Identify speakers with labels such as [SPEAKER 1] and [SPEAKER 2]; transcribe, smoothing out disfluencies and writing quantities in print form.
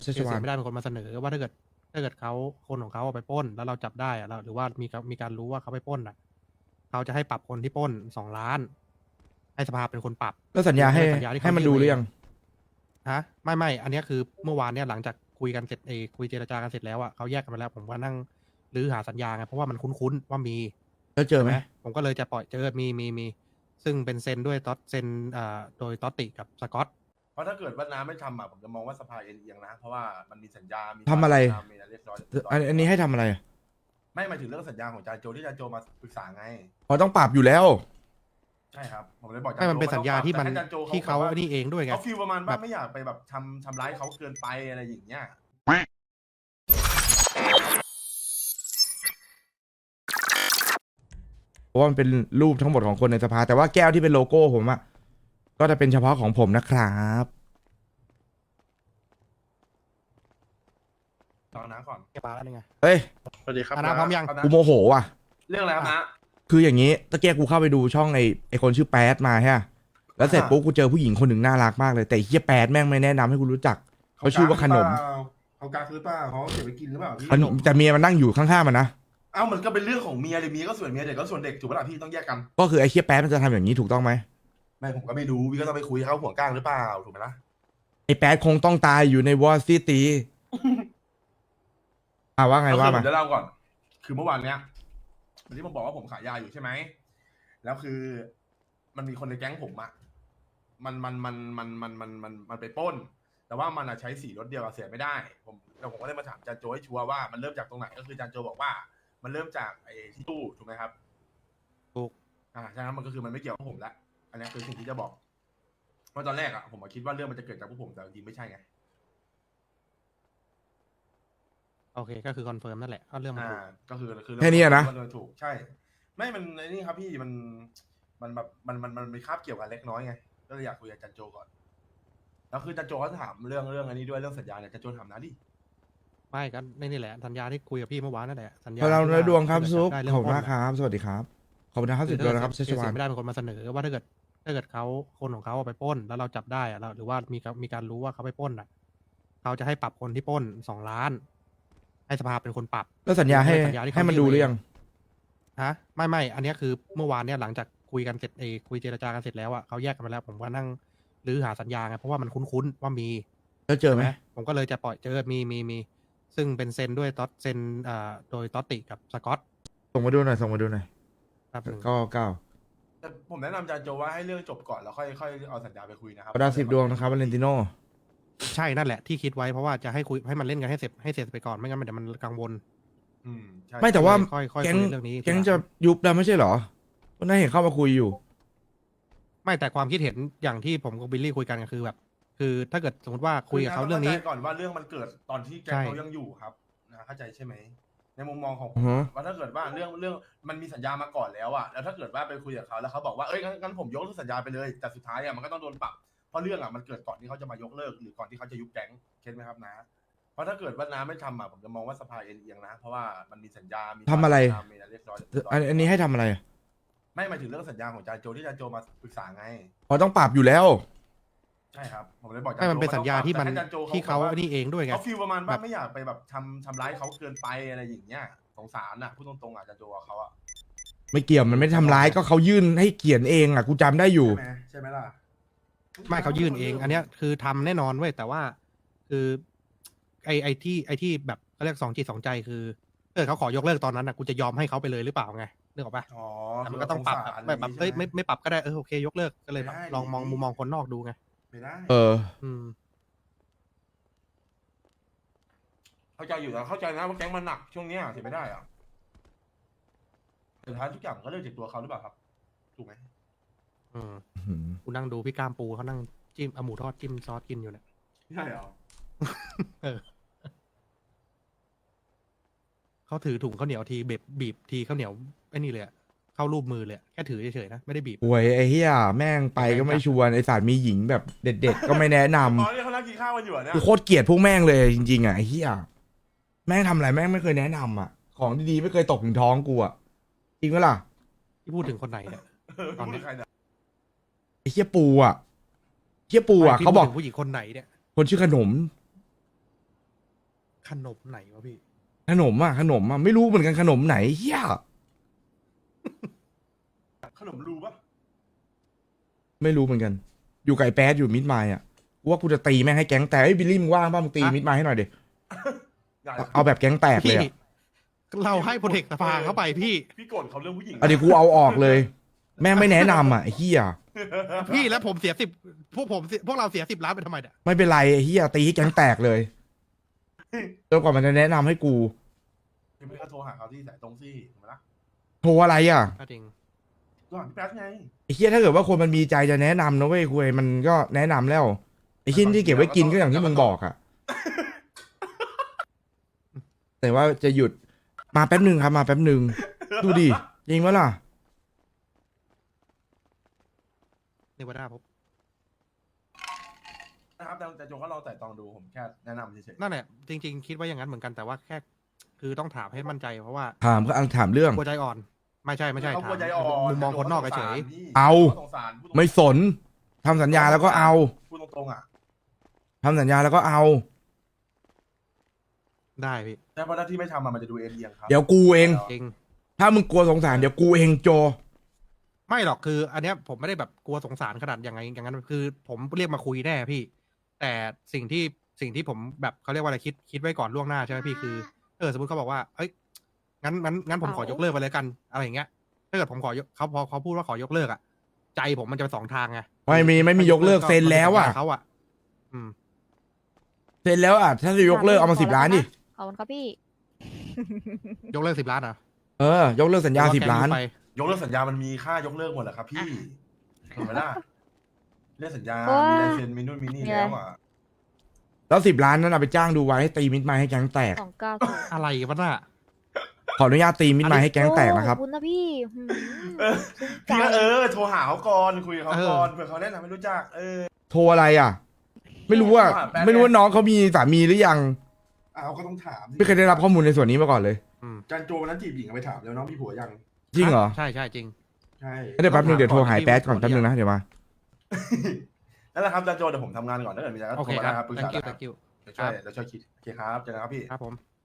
[SPEAKER 1] ชัช
[SPEAKER 2] เสี
[SPEAKER 1] วาย น
[SPEAKER 2] ไม่ได้เป็นคนมาเสนอว่าถ้าเกิดเขาคนของเขาเอาไปปล้นแล้วเราจับได้อะเราหรือว่ามีการรู้ว่าเขาไปปล้นอ่ะเขาจะให้ปรับคนที่ปล้น2 ล้านให้สภาเป็นคนปรับ
[SPEAKER 1] แล้วสัญญา
[SPEAKER 2] คือ
[SPEAKER 1] ให้
[SPEAKER 2] ไม่ได้สัญญาที่
[SPEAKER 1] ให้
[SPEAKER 2] เขา
[SPEAKER 1] มัน
[SPEAKER 2] ยื่
[SPEAKER 1] ดู
[SPEAKER 2] น
[SPEAKER 1] หรือยัง
[SPEAKER 2] ฮะไม่อันเนี้ยคือเมื่อวานเนี่ยหลังจากคุยกันเสร็จคุยเจรจากันเสร็จแล้วอ่ะเขาแยกกันไปแล้ว ผมก็นั่งรื้อหาสัญญาไงเพราะว่ามันคุ้นๆว่ามี
[SPEAKER 1] แล้วเจอไหม
[SPEAKER 2] ผมก็เลยจะปล่อยเจอมีซึ่งเป็นเซ็นด้วยต๊อตเซ็นโดยต๊อตติกับสกอต
[SPEAKER 3] เพราะถ้าเกิดว่าน้าไม่ทำอ่ะผมจะมองว่าสภาเอียงๆนะเพราะว่ามันมีสัญญา มี
[SPEAKER 1] ทำอะไร
[SPEAKER 3] มีอะไรเรียบร้อย
[SPEAKER 1] อันนี้ให้ทำอะไร
[SPEAKER 3] ไม่หมายถึงเรื่องสัญญาของจาโจที่จาโจมาปรึกษาไง
[SPEAKER 1] อ๋อต้องปรับอยู่แล้ว
[SPEAKER 3] ใช่ครับผมเลยบอก
[SPEAKER 2] ไม่มันเป็นสัญญาที่มัน
[SPEAKER 3] แต่ให้จาโจ
[SPEAKER 2] ที่เขา
[SPEAKER 3] แบบว่
[SPEAKER 2] นี่เองด้วยไง
[SPEAKER 3] เขาฟีลประมาณ
[SPEAKER 2] แบ
[SPEAKER 3] ว่า
[SPEAKER 2] บ
[SPEAKER 3] ไม่อยากไปแบบทำร้ายเขาเกินไปอะไรอย่างเงี้ย
[SPEAKER 1] เพราะว่ามันเป็นรูปทั้งหมดของคนในสภา แต่ว่าแก้วที่เป็นโลโก้ผมอะก็จะเป็นเฉพาะของผมนะครับ
[SPEAKER 3] ตอนน้าก่อน
[SPEAKER 2] เก็บปลาแล้วนี่ไง
[SPEAKER 1] เฮ้ย
[SPEAKER 3] สวัสดีครับ
[SPEAKER 2] น้าพร้อมยัง
[SPEAKER 1] กูโมโหว่ะ
[SPEAKER 3] เรื่องอะไรครับนะ
[SPEAKER 1] คืออย่างนี้ตะเกียกูเข้าไปดูช่องไอคนชื่อแป๊ดมาใช่ปะแล้วเสร็จปุ๊บกูเจอผู้หญิงคนหนึ่งน่ารักมากเลยแต่ไอ้เฮียแป๊ดแม่งไม่แนะนำให้กูรู้จักเขาชื่อว่าขนม
[SPEAKER 3] เขากาหรือเปล่าเขาเก็บไปกินหรือเปล่าพี่
[SPEAKER 1] แต่เมียมันนั่งอยู่ข้างๆมันนะ
[SPEAKER 3] เอ้ามันก็เป็นเรื่องของเมียเลยเมียก็ส่วนเมียเด็กก็ส่วนเด็กถูกปะล่ะพี่ต้องแยกกัน
[SPEAKER 1] ก็คือไอ้เฮียแป๊ดมันจะทำอย่างนี้ถูกต้องไหม
[SPEAKER 3] ไม่ผมก็ไม่รู้พี่ก็ต้องไปคุยเขาห่วงก้างหรือเปล่าถูกไหมล่ะ
[SPEAKER 1] ไอ้แป๊ดคงต้องตายอยู่ในวอร์ซิตี้ ว่าไง
[SPEAKER 3] ก็
[SPEAKER 1] ว่า
[SPEAKER 3] คือผ
[SPEAKER 1] มา
[SPEAKER 3] มจะเล่าก่อน คือเมื่อวานเนี้ยวันที่ผมบอกว่าผมขายยาอยู่ใช่ไหม แล้วคือมันมีคนในแก๊งผมอะมันไปปล้น แต่ว่ามันอะใช้สีรถเดียวกับเสียไม่ได้ แล้วผมก็เลยมาถามจานโจให้ชัวร์ว่ามันเริ่มจากตรงไหน ก็คือจานโจบอกว่า มันเริ่มจากไอ้ที่ตู้ถูกไหมครับ
[SPEAKER 2] ถูก
[SPEAKER 3] ฉะนั้นมันก็คือมันไม่เกี่ยวกับผมละ อันนี้คือสิ่งที่จะบอกว่าตอนแรกอะผมคิดว่าเรื่องมันจะเกิดจากพวกผมแต่จริงๆไม่ใช่ไง
[SPEAKER 2] โอเคก็คือคอนเฟิร์มนั่นแหละก็เรื่องมันถูก
[SPEAKER 3] ก็คือ
[SPEAKER 1] แค่นี้อะนะ
[SPEAKER 3] มันถูกใช่ ไม่มันไอ้นี่ครับพี่มันแบบมันมีคาบเกี่ยวกันเล็กน้อยไงก็เลยอยากคุยกับจันโจก่อนแล้วคือจันโจเขาถามเรื่องอันนี้ด้วยเรื่องสัญญาเนี่ยจันโจถามนะดิ
[SPEAKER 2] ไม่ก็นี่แหละสัญญาที่คุยกับพี่เมื่อวานนั่นแหละสัญญา
[SPEAKER 1] พลัง
[SPEAKER 2] ที่
[SPEAKER 1] เนื้อดวงครับ
[SPEAKER 2] ถ้าเกิ
[SPEAKER 1] ซุป
[SPEAKER 2] ได้
[SPEAKER 1] ข
[SPEAKER 2] เรื่
[SPEAKER 1] อบ
[SPEAKER 2] ง
[SPEAKER 1] คุณ
[SPEAKER 2] ปล้
[SPEAKER 1] มากครับ สวัสดีครับ ขอบคุณนะครับ
[SPEAKER 2] คื
[SPEAKER 1] สุ
[SPEAKER 2] อ
[SPEAKER 1] ดยอดนะครับ
[SPEAKER 2] ถ้า
[SPEAKER 1] เชชวาน
[SPEAKER 2] ไม่ได้เป็นคนมาเสนอว่าถ้าเกิดเขาคนของเขาเอาไปปล้นแล้วเราจับได้อะหรือว่ามีการรู้ว่าเขาไปปล้นอ่ะเขาจะให้ปรับคนที่ปล้น2 ล้านให้สภาเป็นคนปรับ
[SPEAKER 1] แล้วสัญญาให้
[SPEAKER 2] สัญญาที่เขา
[SPEAKER 1] ให้มันดูหรือยัง
[SPEAKER 2] ฮะไม่อันเนี้ยคือเมื่อวานเนี่ยหลังจากคุยกันเสร็จคุยเจรจากันเสร็จแล้วอ่ะเขาแยกกันไปแล้ว ผมก็นั่งรื้อหาสัญญาไงเพราะว่ามันคุ้นๆว่ามี
[SPEAKER 1] แล้วเจอไหม
[SPEAKER 2] ผมก็เลยจะปล่อยเจอมีซึ่งเป็นเซ็นด้วยต๊อตเซ็นโดยต๊อตติกับสกอต
[SPEAKER 1] ส่งมาดูหน่อย
[SPEAKER 2] ครับ
[SPEAKER 1] ก็เก้า
[SPEAKER 3] แต่ผมแนะนำจันโจว่าให้เรื่องจบก่อนแล้วค่อยเอาสัญญาไปคุยนะครับ
[SPEAKER 1] ดาว10 ดวงนะครับวาเลนติโน
[SPEAKER 2] ใช่นั่นแหละที่คิดไว้เพราะว่าจะให้คุยให้มันเล่นกันให้เสร็จไปก่อนไม่งั้นเดี๋ยวมันกังวล
[SPEAKER 3] ใช่
[SPEAKER 1] ไม่แต่ว่า
[SPEAKER 2] ค่อยคุย
[SPEAKER 1] แก๊ง
[SPEAKER 2] เรื่องนี้
[SPEAKER 1] แก๊งจะยุบแล้วไม่ใช่เหรอวันนั้นเห็นเข้ามาคุยอยู่
[SPEAKER 2] ไม่แต่ความคิดเห็นอย่างที่ผมกับบิลลี่คุยกันก็คือแบบ คือถ้าเกิดสมมติว่าคุยกับเขาเรื่องนี้
[SPEAKER 3] ก่อนว่าเรื่องมันเกิดตอนที่แก๊ง
[SPEAKER 2] ใช่
[SPEAKER 3] เขายังอยู่ครับนะเข้าใจใช่ไหมในมุมมองของผ
[SPEAKER 1] อื
[SPEAKER 3] ม
[SPEAKER 1] อฮะ
[SPEAKER 3] ว่าถ้าเกิดว่าเรื่องมันมีสัญญามาก่อนแล้วอะแล้วถ้าเกิดว่าไปคุยกับเขาแล้วเขาบอกว่าเอ้ยงั้นผมยกเลิกสัญญาไปเลยแต่สุดท้ายอะมันก็ต้องโดนปรับเพราะเรื่องอะมันเกิดก่อนที่เขาจะมายกเลิกหรือก่อนที่เขาจะยุบแก๊งเก็ตไหมครับนะเพราะถ้าเกิดว่าน้าไม่ทำอะผมจะมองว่าสภาเอียงๆนะเพราะว่ามันมีสัญญา มี
[SPEAKER 1] ทำอะไร
[SPEAKER 3] มีอะไรเรียบร้อย
[SPEAKER 1] อันนี้ให้ทำอะไร
[SPEAKER 3] ไม่หมายถึงเรื่องสัญญาของจาโจที่จาโจมาปรึกษาไง
[SPEAKER 1] อ๋อต้องปรับอยู่แล้ว
[SPEAKER 3] ใช่ครับผมเลยบอก
[SPEAKER 2] ไม่มันเป็นสัญญาที่มัน
[SPEAKER 3] แต่ให้จันโจ
[SPEAKER 2] ที่เขา
[SPEAKER 3] แบบว่
[SPEAKER 2] นี่เองด้วยไง
[SPEAKER 3] เขาฟีลประมาณว่า
[SPEAKER 2] แบบ
[SPEAKER 3] ไม่อยากไปแบบทำร้ายเขาเกินไปอะไรอย่างเงี้ยสงสารอ่ะพูดตรงๆอ่ะจันโจกับเขาอ่ะ
[SPEAKER 1] ไม่เกี่ยวมันไม่ได้ทำร้ายก็เขายื่นให้เขียนเองอ่ะกูจำได้อยู่
[SPEAKER 3] ใช่ไหมล่ะ
[SPEAKER 2] ไม่เขายื่นเอง อันเนี้ยคือทำแน่นอนเว้ยแต่ว่าคือไอ้ที่แบบเขาเรียก2 จิต 2 ใจคือเขาขอยกเลิกตอนนั้นอ่ะกูจะยอมให้เขาไปเลยหรือเปล่าไงนึกออกปะ
[SPEAKER 3] อ๋อ
[SPEAKER 2] แต่มันก็ต้องปรับแบบเอ้ยไม่ปรับก็ได้โอเคยกเลิกก็เลยแบบลองมองมุมมองคนนอกดูไง
[SPEAKER 3] ไม่ได้
[SPEAKER 1] เออ
[SPEAKER 3] เข้าใจอยู่แล้วเข้าใจนะว่าแก๊งมันหนักช่วงเนี้ยเสียไม่ได้อ่ะสุดท้ายทุกอย่างมันก็เริ่มจากตัวเขาหรือเปล่าครับถูกไหม
[SPEAKER 2] กูนั่งดูพี่ก้ามปูเขานั่งจิ้มเอาหมูทอดจิ้มซอสกินอยู่เนี่ย
[SPEAKER 3] ใช่เหรอ
[SPEAKER 2] เขาถือถุงข้าวเหนียวทีบีบทีข้าวเหนียวไอ้นี่เลยอะเข้ารูปมือเลยอะแค่ถือเฉยๆนะไม่ได้บีบ
[SPEAKER 1] หวยไอ้เหี้ยแม่งไปก็ไม่ชวนไอ้สารมีหญิงแบบเด็ดๆ ก็ไม่แนะน
[SPEAKER 3] อ๋อเนี่ยเขานั่งกินข้าวกันอยู่อ่ะเนี่ย
[SPEAKER 1] ำกูโคตรเกลียดพวกแม่งเลยจริงๆอ่ะไอ้เหี้ยแม่งทำอะไรแม่งไม่เคยแนะนำอ่ะ ของดีๆไม่เคยตกถึงท้องกูอ่ะจริงปะล่ะ
[SPEAKER 2] ที่พูดถึงคนไหนเนี่ย ตอนนี้
[SPEAKER 3] พูดใครเนี่ย
[SPEAKER 1] ไอ้เหี้ยปูอ่ะเหี้ยปูอ่ะ
[SPEAKER 2] ไม่
[SPEAKER 1] เขาบอก
[SPEAKER 2] พูดถึงผู้หญิงคนไหนเนี่ย
[SPEAKER 1] คนชื่อขนม
[SPEAKER 2] ขนมไหนวะพี่
[SPEAKER 1] ขนมไม่รู้เหมือนกันขนมไหนเฮีย
[SPEAKER 3] ขนมรูปะ
[SPEAKER 1] ไม่รู้เหมือนกัน อยู่ไก่แป๊ดอยู่มิดไมล์อ่ะกูว่ากูจะตีแม่งให้แก๊งแตกไอ้ยบิลลี่มึงว่างป่ะมึงตี
[SPEAKER 2] ฮะ
[SPEAKER 1] มิดไมล์ให้หน่อยดิ
[SPEAKER 3] ได้
[SPEAKER 1] เอาแบบแก๊งแตกเลย
[SPEAKER 2] พี่
[SPEAKER 1] อ่ะ
[SPEAKER 2] เราให้โปรเทคสภาเข้าไปพี่
[SPEAKER 3] พี่โกรธเขาเรื่องผู้หญิง
[SPEAKER 1] เอาดี๋ยวกูเอาออกเลย แม่งไม่แนะนำอ่ะไอ้เฮีย
[SPEAKER 2] พี่แล้วผมเสียพวกเราเสีย10 ล้านไปทำไมเนี่ย
[SPEAKER 1] ไม่เป็นไรไอ้เฮียตีให้แก๊งแตกเลยจนกว่ามันจะแนะนำให้กู
[SPEAKER 3] ยังไม่ก็โทรหาเขาที่สายตรงซี่ถูกไหมล่ะ
[SPEAKER 1] โทรอะไรอ่ะ
[SPEAKER 2] ก็จริง
[SPEAKER 3] โทรหาพี่แป๊ดไง
[SPEAKER 1] ไอ้เฮียถ้าเกิดว่าคนมันมีใจจะแนะนำนะเว้ยคุยมันก็แนะนำแล้วไอ้ชิ้นที่เก็บไว้กินก็อย่างที่มึงบอกอ่ะ แต่ว่าจะหยุดมาแป๊บหนึ่งครับมาแป๊บหนึ่งดูดิจริงวะล่ะ
[SPEAKER 2] เนวาดาพบ
[SPEAKER 3] นะครับแต่โจก็ลองแต่ตองดูผมแค่แนะนำเฉย
[SPEAKER 2] นั่นแหละจริง ๆ คิดว่าอย่างนั้นเหมือนกันแต่ว่าแค่ คือต้องถามให้มั่นใจเพราะว่า
[SPEAKER 1] ถามก็ถามเรื่อง
[SPEAKER 2] กลัวใจอ่อน ไม่ใช่
[SPEAKER 3] ๆ
[SPEAKER 2] ถาม
[SPEAKER 3] เขากลัวใจอ่อน
[SPEAKER 2] มุมมองคนนอกเฉย
[SPEAKER 1] เอา
[SPEAKER 3] สงสารพูดตรงๆ
[SPEAKER 1] ไม่สนทำสัญญาแล้วก็เอา
[SPEAKER 3] พูดตรงๆอ่ะ
[SPEAKER 1] ทำสัญญาแล้วก็เอา
[SPEAKER 2] ได้พี่
[SPEAKER 3] แต่เพราะถ้าที่ไม่ทำมันจะดูเอียงครับ
[SPEAKER 1] เดี๋ยวกูเอง
[SPEAKER 2] จริง
[SPEAKER 1] ถ้ามึงกลัวสงสารเดี๋ยวกูเองโจ
[SPEAKER 2] ไม่หรอกคือ อันเนี้ยผมไม่ได้แบบกลัวสงสารขนาดอย่างนั้นคือ ผมเรียกมาคุยแน่พี่ แต่สิ่งที่ผมแบบเขาเรียกว่าอะไรคิดไว้ก่อนล่วงหน้าใช่ไหมพี่คือสมมติเขาบอกว่าเอ้ยงั้นผมขอยกเลิกไปเลยกันอะไรอย่างเงี้ยถ้าเกิดผมขอยกเขาพอเขาพูดว่าขอยกเลิกอ่ะใจผมมันจะไปสองทางไง
[SPEAKER 1] ไม่มียกเลิกเซ็นแล้วอ่ะ
[SPEAKER 2] เขาอ่ะ
[SPEAKER 1] เซ็นแล้วอ่ะถ้าจะยกเลิกเอามา10 ล้านดิ
[SPEAKER 4] ขอบคุณครับพี่
[SPEAKER 2] ยกเลิก10 ล้านเหรอ่ะ
[SPEAKER 1] ยกเลิกสัญญา10 ล้าน
[SPEAKER 3] ยกเลิกสัญญามันมีค่ายกเลิกหมดแหละครับพี่ถูกไหมล่ะเรื่องสัญญา
[SPEAKER 4] โอ้ย
[SPEAKER 3] มีลายเซ็นมีนู่นมีนี่แล้วอ่ะ
[SPEAKER 1] แล้ว10 ล้านนั้นเอาไปจ้างดูไว้ให้ตีมิดไมล์ให้แก๊งแตก
[SPEAKER 4] 290
[SPEAKER 2] อะไรวะน่ะ
[SPEAKER 1] ขออนุญาตตีมิดไมล์ให้แก๊งแตกนะครับ
[SPEAKER 4] ขอบคุณนะพี่หืมซึ้งใจ
[SPEAKER 3] พี่ก็โทรหาเขาก่อนคุยกับเขาก่อนเผื่อเขาแนะนำไม่รู้จัก
[SPEAKER 1] โทรอะไรอ่ะ ไม่รู้ว่า
[SPEAKER 3] แป๊บ
[SPEAKER 1] ไม่รู้ว่าน้องเขามีสามีหรือยัง
[SPEAKER 3] เขาก็ต้องถามสิ
[SPEAKER 1] ไม่เคยได้รับข้อมูลในส่วนนี้มาก่อนเลย
[SPEAKER 3] จันโจวันนั้นจีบหญิงเอาไปถามแล้วน้องพี่ผัวยัง
[SPEAKER 1] จริงเหรอ
[SPEAKER 2] ใช่จริง
[SPEAKER 3] ใช่
[SPEAKER 1] เดี๋ยวแป๊บนึงเดี๋ยวโทรหายแป๊ดก่อนแป๊บนึงนะเดี๋ยวมา
[SPEAKER 3] นั่นแหละครับจันโจเดี๋ยวผมทำงานก่อนถ้าเกิดมีอะไรก็
[SPEAKER 2] โอ
[SPEAKER 3] โท
[SPEAKER 2] เค
[SPEAKER 3] รมา
[SPEAKER 2] ค
[SPEAKER 3] ได้
[SPEAKER 2] รับ
[SPEAKER 3] ครับปรึกษา
[SPEAKER 2] thank you
[SPEAKER 3] ได้ครับ
[SPEAKER 2] thank you
[SPEAKER 3] เดี๋ยวช่วยคิดโอเคครับเจอกันครับพี่
[SPEAKER 2] ครับผม